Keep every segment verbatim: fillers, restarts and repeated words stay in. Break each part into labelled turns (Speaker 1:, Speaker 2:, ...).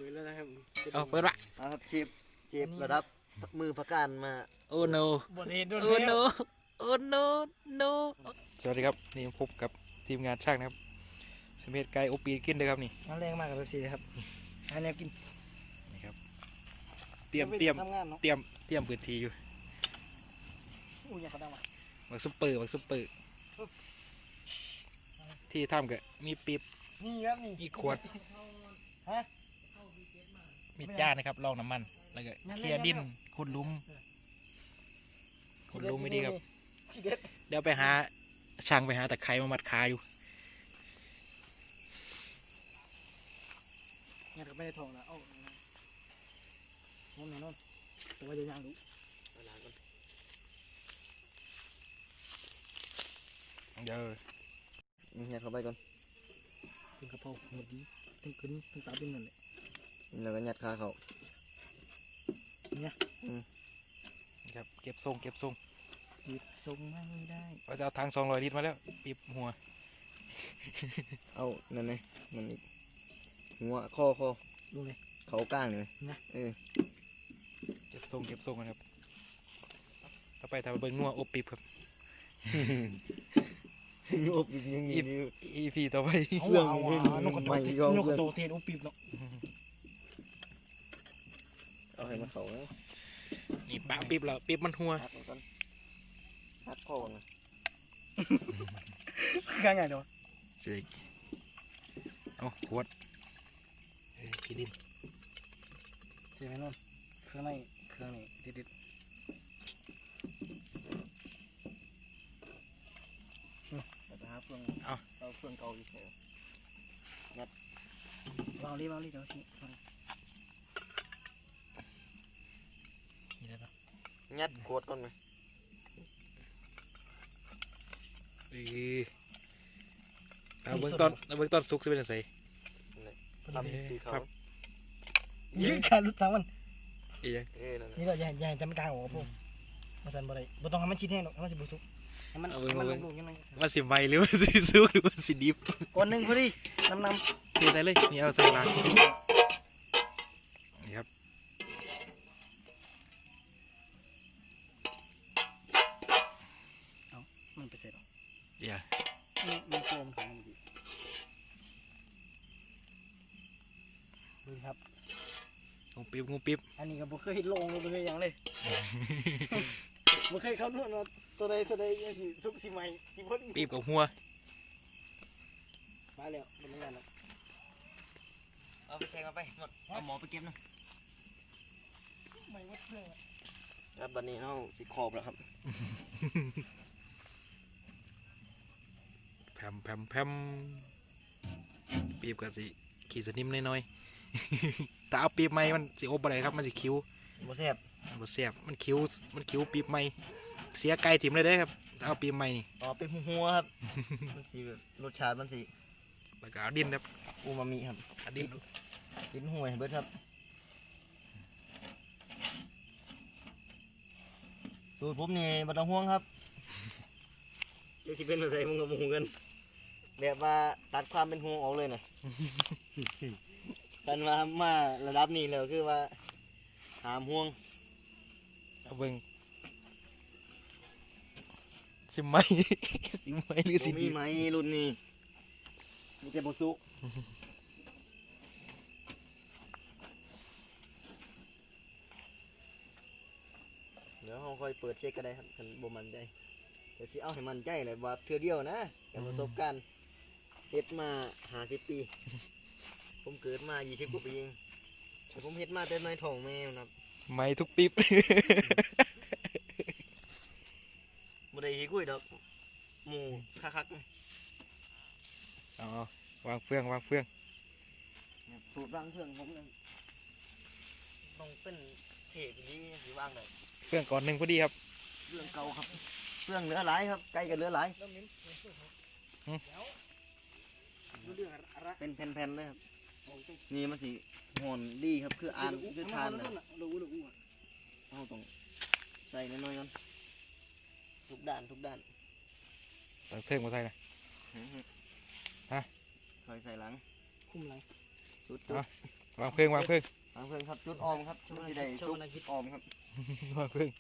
Speaker 1: ปิดแล้วนะครับ
Speaker 2: เอาเปิดวะ
Speaker 3: ครับเจ็บเจ็บระดับมือประกันมา
Speaker 2: โอ้โน
Speaker 1: บทเรียนโ
Speaker 2: อ้โนโอ้โนโนสวัสดีครับนี่พบกับทีมงานช่างนะครับสมัยไก่โอปีกินเลยครับนี่
Speaker 1: น้ำแรงมากกับเบบซีเลยครับหาแนวกิน
Speaker 2: นี่ครับเตรียมเตรียมเตรียมเตรียมพื้นที่อยู่
Speaker 1: อู้ยเขาดังว่ะ
Speaker 2: บักซุปเปอร์บักซุปเปอร์ที่ทำกับมีปีบ
Speaker 1: นี่ครับนี่
Speaker 2: มีขวด
Speaker 1: ฮะ
Speaker 2: มีจ้านะครับรองน้ำมันแล้วก็เคลียร์ดินขุดลุมขุดลุมไม่ดีครับเดี๋ยวไปหาช่างไปหาตะไคร้มามัดขาอยู่
Speaker 1: งานก็ไม่ได้ทองแล้วเอ้าน้องน้องแต่ว่าจะย่างดู
Speaker 2: เดี๋ยว
Speaker 3: ยัดเข้าไปก่อน
Speaker 1: ถึงกระเพราหมดดีถึงขึ้นถึงตาเป็นนั่นแหละ
Speaker 3: แล้วก็ยัดขาเขา
Speaker 1: เนี่ย
Speaker 2: ครับเก็บทรงเก็บทรง
Speaker 1: หยิบทรงไม่ได้
Speaker 2: เราจะเอาทางสองร้อยลิตรมาแล้วปีบหัว
Speaker 3: เอานั่นไงมันอีกหัวคอคอ
Speaker 1: ดูเลย
Speaker 3: เขาก้างเลย
Speaker 1: นะ
Speaker 3: เออ
Speaker 2: เก็บทรงเก็บทรงกันครับต่อไปทำเบิ้งงัวอบปีบครับ
Speaker 3: อบปีบยังมี
Speaker 2: อีพีต่อไป
Speaker 1: เสื่องนกกระโตนนกกระโตเทนอบปีบเนาะ
Speaker 3: เอาให้มันเขาเลย
Speaker 2: นี่ปะปีบแล้วปีบมันหัว
Speaker 3: ฮัดคอนะ
Speaker 1: ข้างไงเนาะ
Speaker 2: เจ๊เอาขวดขี้ดิน
Speaker 1: เจ๊ไหมนนเครื่องในเครื่องนี้ติดติดแต่หาเฟืองเอาเอาเฟืองเก่าอีกแล้วยัดวางรีวางรีเดี๋ยวสิ
Speaker 3: ยัดขวดก่อนไหม
Speaker 2: เอาเบื้องต้นเอาเบื้องต้นซุกจะเป็นยังไง
Speaker 3: ทำตีเขา
Speaker 1: ยืดขาลุดสามวัน
Speaker 2: อีก
Speaker 1: นี่เราใหญ่ใหญ่จำกลางหัวพวกมาสั่นบ่ได้บ่ต้องให้มันชิ้นแห้งหรอกให้มันสิบุสุกให้มันให้มันลงๆยังไง
Speaker 2: มันสิไหมหรือมันสิซุกหรือมันสิดิบ
Speaker 1: ก้อนหนึ่งพอดีน้ำน้
Speaker 2: ำตีได้เลยนี่เอาใส่ลางนี่ครับ
Speaker 1: เอามันไปเสร็จหรอ
Speaker 2: เดี๋ยว
Speaker 1: มันโฟมของมันดีดูครับ
Speaker 2: งูปิ๊บงูปิ๊บ
Speaker 1: อันนี้ก็บ่เคยลงเลยบ่เคยยังเลยบ่เคยเข้านู่นว่าตัวใดตัวใดยังสิสุกสิใหม่สิพอดี
Speaker 2: ปิ๊บกับหัว
Speaker 1: มาแล้วมันไม่งานแล้ว
Speaker 3: เอาไปแทงมาไปหมดเอาหมอไปเก็บนะ
Speaker 1: ไม่วัดเครื่อง
Speaker 3: ครับบัดนี้เอาสิขอบแล้วครับ
Speaker 2: แผ่มแผ่มแผ่มปีบกับสิขีดสนิมน้อยๆแต่เอาปีบใหม่มันสิอบอะไรครับมันสิคิ้ว
Speaker 3: บ่แซ่บ
Speaker 2: บ่แซ่บมันคิ้วมันคิ้วปีบใหม่เสียไก่ถิ่มเลยได้ครับถ้าเอาปีบใหม่นี่
Speaker 3: อ๋อเป็นหัวครับมันสิรสชาติมันสิ
Speaker 2: แล้วก็เอาดินครับ
Speaker 3: อูมามิครับ
Speaker 2: ดิน
Speaker 3: ดินห่วยเบิดครับสูตรผมนี่บ่ต้องห่วงครับจะสิเป็นอะไรมึงกับมึงกันแบบว่าตัดความเป็นห่วงออกเลยนะกันว่ามาระดับนี้แล้วคือว่าหามห่วง
Speaker 2: เอาเบิ่งสิไหมสิไหมหรือสิ
Speaker 3: มีไหมรุ่นนี้มีแต่บุสุเดี๋ยวเราค่อยเปิดเช็คก็ได้ครับคันบ่มันใจแต่สิเอาให้มันใจเลยว่าเทื่อเดียวนะกับประสบการณ์เฮ็ดมาห้าสิบปีผมเกิดมายี่สิบกว่าปีเองแต่ผมเฮ็ดมาแต่ในท้องแม่ครับ
Speaker 2: ไม่ทุกปิ๊บ
Speaker 3: บ่ได้หิกุ้ยดอกหมูคัก
Speaker 2: ๆอ๋อวางเฟืองวางเฟือง
Speaker 3: สูตรวางเฟืองผมเลยต้องเป็นเทปนี้หรือวางได้
Speaker 2: เฟืองก่อนหนึ่งพอดีครับ
Speaker 3: เฟืองเก่าครับเฟืองเหลือหลายครับไก่กันเหลือหลายเป็นแผ่นๆเลยครับนี่มันสิหอนดีครับคืออ่านคือทานนะเอาต้องใส่น้อยๆก่อนทุกด้านทุกด้าน
Speaker 2: ตักเทิงมาใส่นะฮะ
Speaker 3: ใส่ใส่หลัง
Speaker 1: คุ้มหลัง
Speaker 3: สุด
Speaker 2: วางเพิ่งวางเพิ่ง
Speaker 3: ทางเพื่อนครับจุดออมครับชุดที่ได้จุดออมครับ
Speaker 2: วางเพิ่ง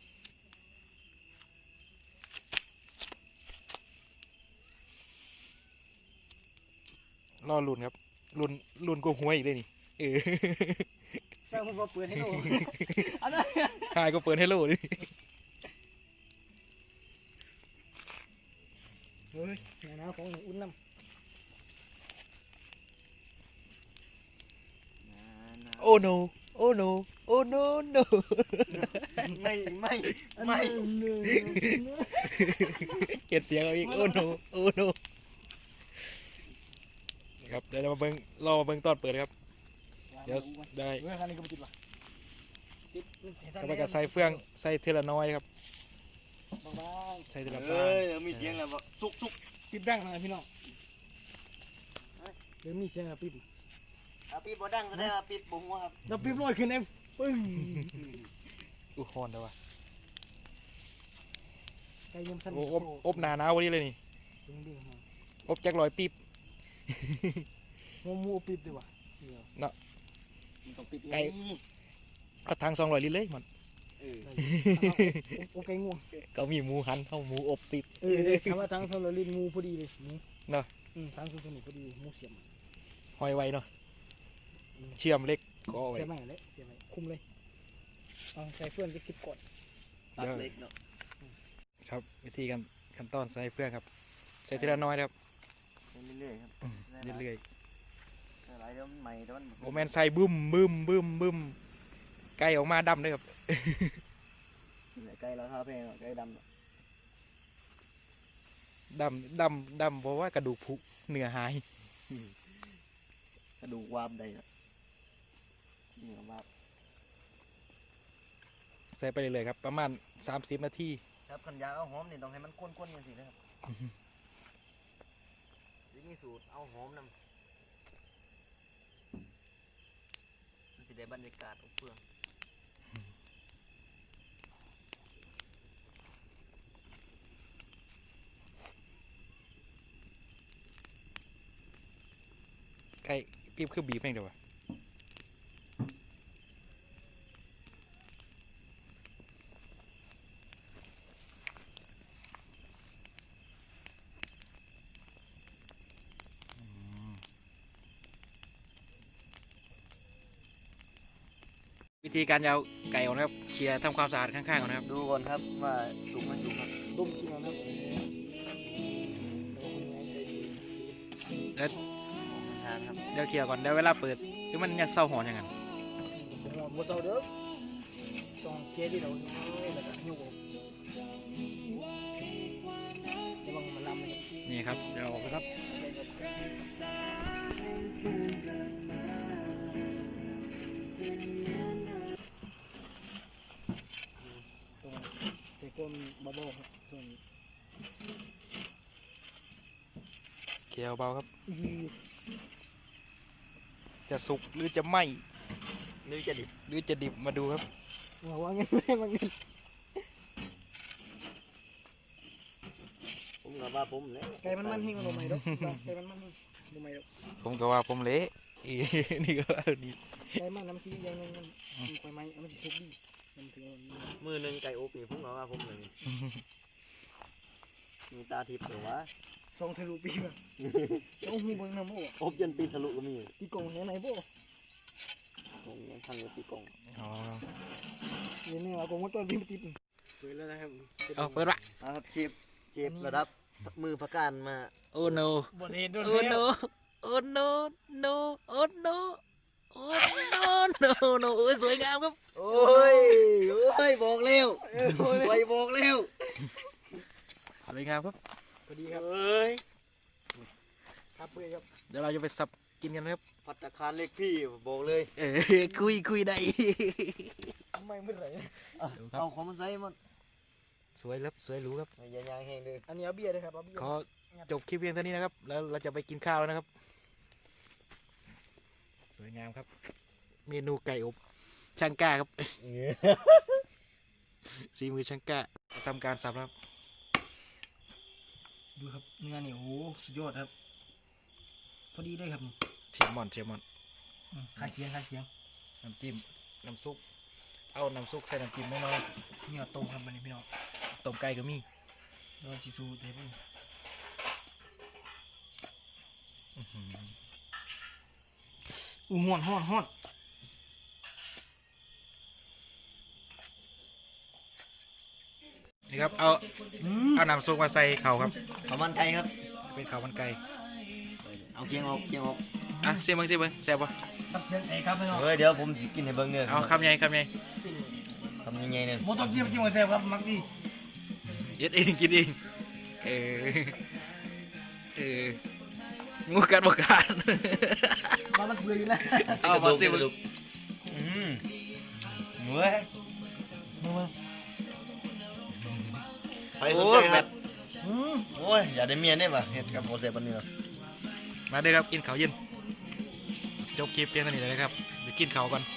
Speaker 2: รอลุ่นครับลุ่นลุ่นกูหวยอีกเลยนี่เออ
Speaker 1: สร้างมันมาเปิดให้ดูอันนั้น
Speaker 2: หายก็เปิดให้โลดิ
Speaker 1: เฮ้ยหน้าของอุ่นน้ำ
Speaker 2: โอ้โนโอ้โนโอ้โนโน
Speaker 3: ไม่ไม่ไม่
Speaker 2: เกลียดเสียงเอาอีกโอ้โนโอ้โนครับเดี๋ยวเรามาเบิ้งรอมาเบิ้งตอนเปิดครับเดี๋ยวได้
Speaker 1: เมื่อครั้งนี้ก็ไม่ติดว่ะติด
Speaker 2: ก็ไปกับใส่เฟืองใส่เทละน้อยครับ
Speaker 1: บาง
Speaker 2: ใส่เทละ
Speaker 3: เฮ้
Speaker 2: ฟ้าย
Speaker 3: เดี๋ยวมีเสียงแล้วบอกสุกสุก
Speaker 1: ๆปิดดังนะพี่น้องเดี๋ยวมีเสียงอะปิด
Speaker 3: อ่ะปีบอดังก็ได้อ่ะปีบบุ้งวะครับ
Speaker 1: เราปิดลอยขึ้นเองปึ้ง
Speaker 2: อู้ฮอนเด้อวะ
Speaker 1: ไก่ยังสั่น
Speaker 2: โอ้อบอบหนาหนาววันนี้เลยนี่
Speaker 1: ดึงดึงมา
Speaker 2: อบจักรลอยปีบ
Speaker 1: งูมูปิดดีกว่าเดี๋ยว
Speaker 3: มันต้องปิด
Speaker 2: ไก่ เอาทางสองร้อยลิตรเลยมัน
Speaker 3: เออ
Speaker 1: โอเคง่วง
Speaker 2: ก็มีหมูหันเข้าหมูอบปีบ
Speaker 1: เออคำว่าทางโซลารินงูพอดีเลยงู
Speaker 2: เนาะ
Speaker 1: อืมทางโซลารินพอดีงูเสียม
Speaker 2: หอยไว้เนาะเชื่อมเล็กก็เอาไว้
Speaker 1: เสียมไหมเลยเสียมไหมคุมเลยเอาใส่เฟื่องจะสิบกด
Speaker 3: ตัดเล็กเนาะ
Speaker 2: ครับวิธีการขั้นตอนใส่เฟืองครับใส่ทีละน้อยครับ
Speaker 3: เรื่อยๆครับ
Speaker 2: เรื่อย
Speaker 3: หลายเดี๋ยวมันใหม่แต่มัน
Speaker 2: ๆโอแมนใส่บึ้มบึ้มบึ้มบึ้มไก่ออกมาดำเลยครับ
Speaker 3: ไก่ราคาแพงอ่ะไก่ดำ
Speaker 2: ดำดำดำเพราะว่ากระดูกผุเนื้อหาย
Speaker 3: กระดูกวาบใดอ่ะเนื้อวาบ
Speaker 2: ใส่ไปเรื่อยๆครับประมาณสามสิบนาที
Speaker 3: ครับขันยาเอาหอมนี่ต้องให้มันข้นๆอย่างสินะครับที่นี่สูตรเอาหอมนำมันจะได้บรรยากาศอบเฟือง
Speaker 2: ไก่ปีบคือบีบเองเดี๋ยววะวิธีการยาวไก่ก่อนนะครับเคลียร์ทำความสะอาดข้างๆก่อนนะครับ
Speaker 3: ดูก่อนครับว่าสุกไม่สุกครับ
Speaker 1: ต้มกินเอานะ
Speaker 2: แล้ว
Speaker 3: ทานครับ
Speaker 2: เดี๋ยวเคลียร์ก่อนเดี๋ยวเวลาเปิดคือมันยังเศร้าหอนอย่างนั้น
Speaker 1: ผมว่าบัวเสาเด้อต้องเชียร์ที่เราเนี่ยแล้วก็หิ้วออกระวังมันลำเลย
Speaker 2: นี่ครับเดี๋ยวออกไปครับ
Speaker 1: ตรงเจ้าก้มบ้าๆครับส่วน
Speaker 2: เคลียร์เบาครับ
Speaker 1: อี
Speaker 2: จะสุกหรือจะไหม
Speaker 3: นี่จะดิบ
Speaker 2: หรือจะดิบมาดูครับ
Speaker 1: ว่าว่าเงินไม่ว่าเงิน
Speaker 3: ผมกับว่าผมเลย
Speaker 1: ไก่มันมันหิ้งมันลงไหมดอกไก่มันมันหิ้งลงไหมดอก
Speaker 2: ผมก็ว่าผมเละ อี นี่ก็ว่าดี
Speaker 1: ไก่มันน้ำซีอย่างนึงมันมีไฟไหม้มันจะทุบดีมันถึง
Speaker 3: มือหนึ่งไก่อบนี่ผมกับว่าผมเลยมีตาทิพย์หรือวะ
Speaker 1: สองทะลุปีแบบโอ้โหเบิ้งน้ำโอ้
Speaker 3: อบจนปีนทะลุก็มี
Speaker 1: ตีกงเห็นไหนโบ้
Speaker 3: ผมยังพังอยู่ปีกง
Speaker 2: อ๋อ
Speaker 1: เดี๋ยวนี้เรากงว่าต้นพี่มาติดเปิดแล้วนะครับ
Speaker 2: เอาเปิดละ
Speaker 3: นะครับเชฟเชฟระดับมือประการมา
Speaker 2: โอ้โน
Speaker 1: บทเรียนโดน
Speaker 2: โอ้โนโอ้โนโนโอ้โนโอ้โนโนโนโอ้ยสวยงามครับ
Speaker 3: โอ้ยโอ้ยบอกเร็วไวบอกเร็ว
Speaker 2: สวยงามครับ
Speaker 1: พอดีครับ
Speaker 3: เอ้ย
Speaker 1: ครับเพื่อนครับ
Speaker 2: เดี๋ยวเราจะไปสับกินกันนะครับ
Speaker 3: พัตตาคารเล็กพี่บอกเลย
Speaker 2: เออคุยคุยได้
Speaker 1: ไม่เมื่อไหร่
Speaker 3: เอาของมันใส่มัน
Speaker 2: สวยครับสวยหรูครับ
Speaker 3: อย่ายางแห้งเลย
Speaker 1: อันนี้เอาเบียร์เลยครับเอาเบียร์
Speaker 2: ขอจบคลิปเพียงเท่านี้นะครับ แล้วเราจะไปกินข้าวแล้วนะครับ สวยงามครับ เมนูไก่อบช่างกล้าครับสีมือช่างกล้าทำการสับแล้วครับ
Speaker 1: ดูครับเนื้อนี่โอ้สุดยอดครับพอดีเลยครับ
Speaker 2: เชฟมอนเชฟมอน
Speaker 1: พข้าเคียงข้าเคียง
Speaker 2: น้ำจิ้มน้ำซุปเอาน้ำซุปใส่น้ำจิ้มน้อย
Speaker 1: เนื้อต้มครับมันนี่พี่น้อง
Speaker 2: ๆต้มไก่ก็มี
Speaker 1: โดนชิซูเดี๋ยวพี่
Speaker 2: อื้อหือ
Speaker 1: อู้ห้อนห้อนห้อน
Speaker 2: นี่ครับเอา
Speaker 1: อืม
Speaker 2: เอาน้ำซุปมาใส่เข่าครับ
Speaker 3: ข้าวมันไก่ครับ
Speaker 2: เป็นเข่ามันไก่
Speaker 3: เอาเคียงออกเคียงออก
Speaker 2: อ่ะเสียเบิ้งเสียเบิ้งแซ่บปะ
Speaker 1: สับเคียงเอ้ครับพี่น้อง
Speaker 3: เฮ้ยเดี๋ยวผมสิกินให้เบิ่งเด้อ
Speaker 2: เอาคำใหญ่คำใหญ่
Speaker 3: ทำยังไงเนี่ย
Speaker 1: โมต้องจิ้มจิ้มกับแซ่บครับมักดี
Speaker 2: เย็ดเองกินเองเออเอองูกัดบกัด
Speaker 1: ว่ามันเบื่ออยู่นะ
Speaker 2: เอามาเสียเบิ้ง
Speaker 3: อืมเว้ยไปสนใจครับ
Speaker 1: อืม
Speaker 3: โอ้ยอย่าได้เมียเนี่ยป่ะเฮ็ดกับโมเสสปันนี้เหรอ
Speaker 2: มาเด้อครับกินข้าวเย็นจบคลิปเพียงเท่านี้เลยนะครับเดี๋ยวกินข้าวก่อน